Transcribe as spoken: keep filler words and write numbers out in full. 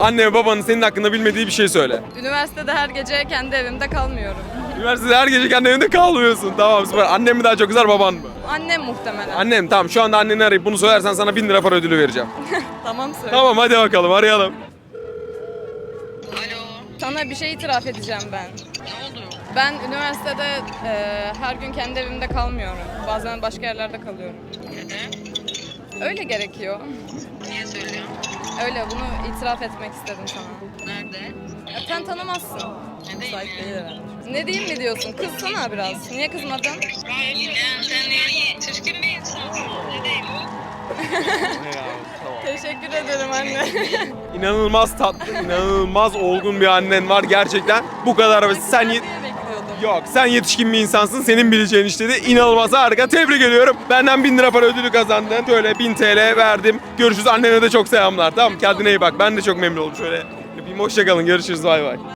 Anne ve babanın senin hakkında bilmediği bir şey söyle. Üniversitede her gece kendi evimde kalmıyorum. Üniversitede her gece kendi evinde kalmıyorsun. Tamam süper. Annem mi daha çok kızar baban mı? Annem muhtemelen. Annem tamam şu anda anneni arayıp bunu söylersen sana bin lira para ödülü vereceğim. Tamam söyle. Tamam hadi bakalım arayalım. Alo, Sana bir şey itiraf edeceğim ben. ne oldu? Ben üniversitede e, her gün kendi evimde kalmıyorum. Bazen başka yerlerde kalıyorum. Neden? Öyle gerekiyor. Niye söylüyorsun? Öyle bunu itiraf etmek istedim sana. Nerede? Ya sen tanımazsın. Ne Müsait diyeyim değil ya? herhalde. Ne diyeyim mi diyorsun? Kızsana biraz. Niye kızmadın? Ya sen niye çirkin bir insansın? Ne diyeyim? Teşekkür ederim anne. İnanılmaz tatlı, inanılmaz olgun bir annen var gerçekten. Bu kadar basit. Sen ye- Diye bekliyordum. Yok sen yetişkin bir insansın. Senin bileceğin işte de inanılmaz harika. Tebrik ediyorum. Benden bin lira para ödülü kazandın. Böyle bin T L verdim. Görüşürüz. Annene de çok selamlar. Tamam kendine iyi bak. Ben de çok memnun oldum. Şöyle bir hoşça kalın. Görüşürüz. Bay bay.